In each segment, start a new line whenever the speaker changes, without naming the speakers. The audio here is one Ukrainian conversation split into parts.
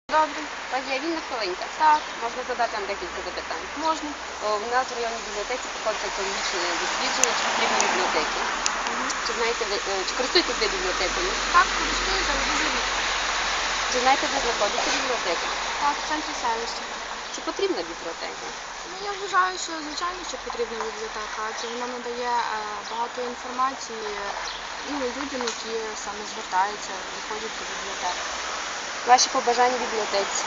Добре.
У вас є вільна хвилинка?
Так,
Можна задати вам декілька запитань.
можна.
У нас в районній бібліотеці проходить екологічне дослідження, чи потрібні бібліотеки. Чи знаєте ви, чи користуєтесь ви бібліотекою?
Так, користуюся, але дуже рідко.
Чи знаєте, де знаходиться бібліотека?
Так, в центрі селища.
Чи потрібна бібліотека?
Ну, я вважаю, що звичайно, що потрібна бібліотека, адже вона надає багато інформації людям, які саме звертаються і ходять до бібліотеки.
Ваші побажання бібліотеці?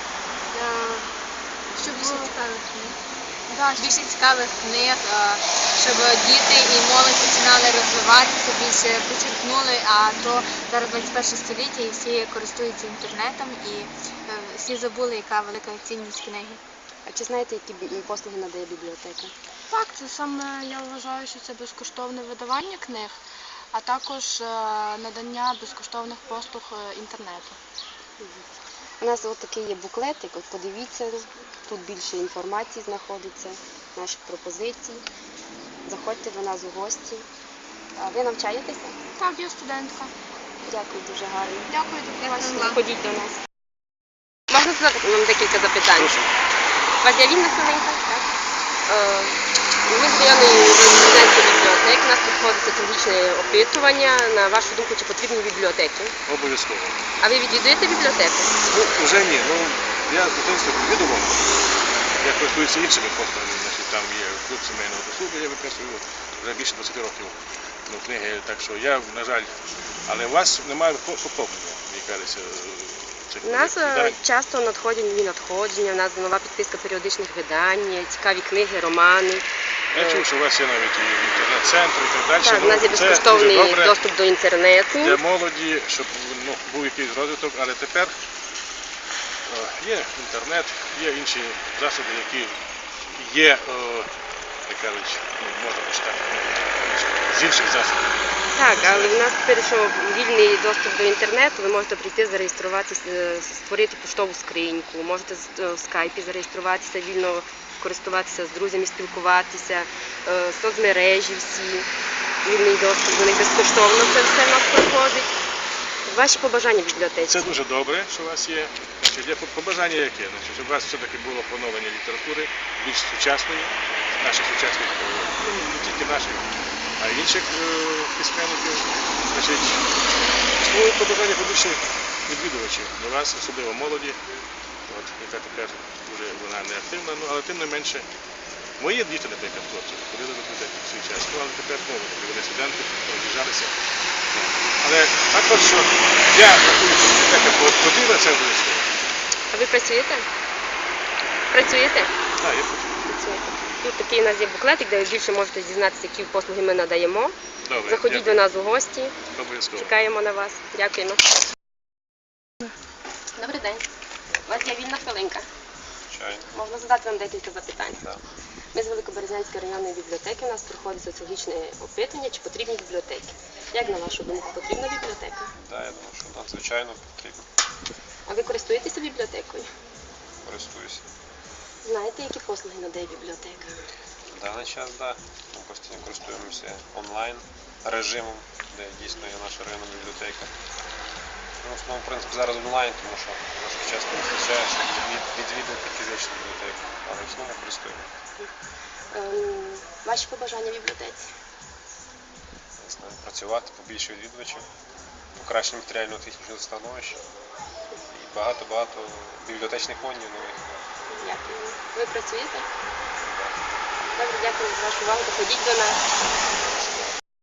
Щоб
Більше цікавих книг.
Да,
Більше цікавих книг, щоб діти і молодь починали розвиватися, більше почерпнули, а то зараз 21 століття і всі користуються інтернетом і всі забули, яка велика цінність книги.
А чи знаєте, які послуги надає бібліотека?
Так, це саме я вважаю, що це безкоштовне видавання книг, а також надання безкоштовних послуг інтернету.
У нас от такий є буклетик, от подивіться, тут більше інформації знаходиться, наших пропозицій. Заходьте до нас у гості. А ви навчаєтеся?
Так, я студентка.
Дякую, дуже гарно.
Дякую, до побачення.
Ходіть до нас. Можна задати вам декілька запитань? У вас є вільна хвилинка? Так. Ми з районної студентської бібліотеки, у нас проходить екологічне опитування. На вашу думку, чи потрібні бібліотеки?
Обов'язково.
А ви відвідуєте бібліотеку?
Ну, вже ні. Ну, я в дитинстві відомо. Я користуюся іншими послугами. Значить, там є клуб сімейного досугу, я виписую вже більше 20 років книги. Так що я, на жаль, але у вас немає поповнення, мені кажеться.
У нас часто надходять нові надходження, у нас нова підписка періодичних видань, цікаві книги, романи.
Я чув, що у вас є навіть і інтернет-центр і так далі.
Так, у нас є безкоштовний доступ до інтернету.
Для молоді, щоб був якийсь розвиток, але тепер є інтернет, є інші засоби, які є, як кажуть, можна почитати з інших засобів.
Так, але в нас тепер, що вільний доступ до інтернету, ви можете прийти, зареєструватися, створити поштову скриньку, можете в скайпі зареєструватися, вільно користуватися з друзями, спілкуватися, соцмережі всі, вільний доступ до них безкоштовно, це все в нас проходить. Ваші побажання бібліотеці?
Це дуже добре, що у вас є. Значить, є побажання яке? Значить, щоб у вас все-таки було поновлення літератури, більш сучасної, наших сучасних, не тільки наших, а й інших письменників. Значить, свої побажання побільше відвідувачів до вас, особливо молоді, яка тепер вже вона не активна, але тим не менше. Мої діти, наприклад, хлопці, ходили до бібліотеки в свій час, але тепер знову вони студенти, роз'їжджалися. Але також, що я рахую, що бібліотека потрібна, це обов'язково.
А ви працюєте? Працюєте?
Так, я працюю.
Працюєте. Тут такий у нас є буклетик, де ви більше можете дізнатися, які послуги ми надаємо.
Добре,
Заходіть до нас у гості.
Обов'язково.
Чекаємо на вас. Дякуємо. Добрий день. У вас є вільна хвилинка.
Звичайно.
Можна задати вам декілька запитань.
Так.
Ми з Великоберезянської районної бібліотеки. У нас проходить соціологічне опитування, чи потрібні бібліотеки. Як на вашу думку, потрібна бібліотека?
Так, я думаю, що надзвичайно потрібно.
А ви користуєтеся бібліотекою?
Користуюся.
Знаєте, які послуги надає бібліотека?
В даний час, так. Ми постійно користуємося онлайн режимом, де дійсно є наша районна бібліотека. Ну, в основному, в принципі, зараз онлайн, тому що трошки часто вистачає, щоб відвідувати фізичну бібліотеку, але в основному користуємо.
Ваші побажання бібліотеці?
Не знаю, працювати, побільше відвідувачів, покращення матеріально-технічного становища і багато-багато бібліотечних фондів нових.
Дякую. Ви працюєте? Добре, дякую за вашу увагу. Доходіть до нас.